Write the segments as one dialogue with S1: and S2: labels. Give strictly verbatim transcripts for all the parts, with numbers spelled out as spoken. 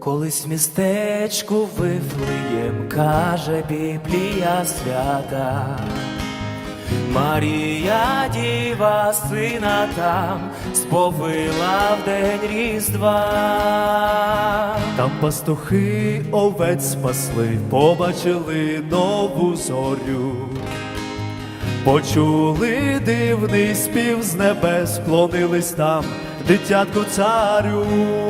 S1: Колись в містечку Вифлеєм, каже Біблія свята, Марія діва сина там сповила в день Різдва.
S2: Там пастухи овець спасли, побачили нову зорю, почули дивний спів з небес, вклонились там дитятку царю.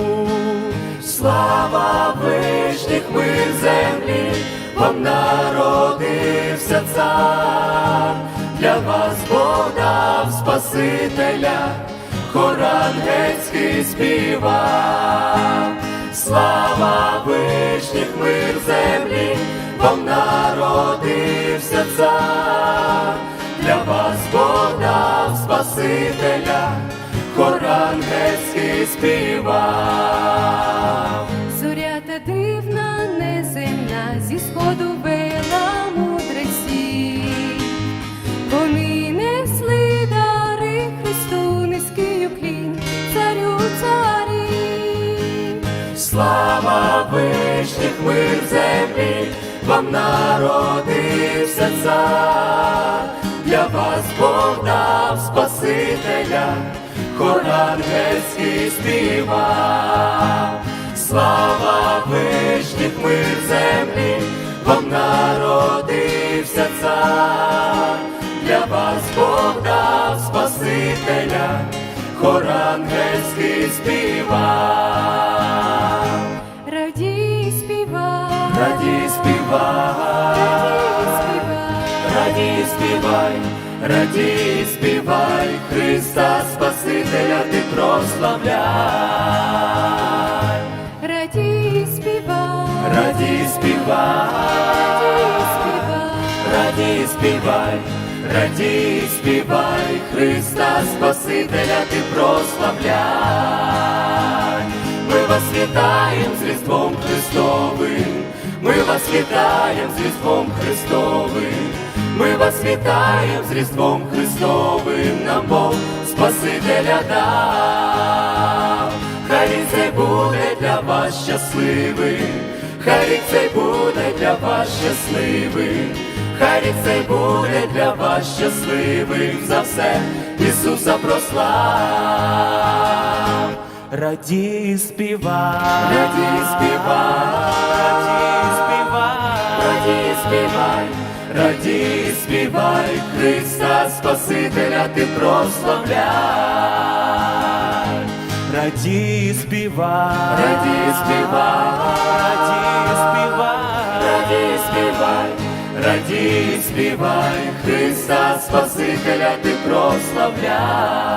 S1: Слава вишніх, мир землі, вам народився цар, для вас Бог дав Спасителя, хор ангельський співа. Слава вишніх, мир землі, вам народився цар, для вас Бог дав Спасителя, хор ангельський співав.
S3: Зоря та дивна, неземна, зі сходу вела мудреці. Вони несли дари Христу, низький уклін, царю царі.
S1: Слава вишніх, мир землі, вам народився цар, для вас Бог дав Спасителя, хор ангельський співав. Слава вишніх, мир землі, вам народився цар, для вас Бог дав Спасителя, хор ангельський співав.
S3: Радій співай,
S1: Радій співай, радій співай, радій співай, Христа Спасителя ти прославляй.
S3: радій співай,
S1: Радій співай, радій співай, радій співай, Христа Спасителя ти прославляй. Ми вас вітаємо з Різдвом Христовим, ми вас вітаємо з Різдвом Христовим, ми вас вітаємо з Різдвом Христовим, нам Бог Спасителя дав. Хай рік цей буде для вас щасливим, хай рік цей буде для вас щасливим, хай рік цей буде для вас щасливим, за все Ісуса прослав. Радій співай, радій співай, радій співай, радій співай, Христа Спасителя ти прославляй. Радій співай, радій співай, радій співай, радій співай, Христа Спасителя ти прославляй.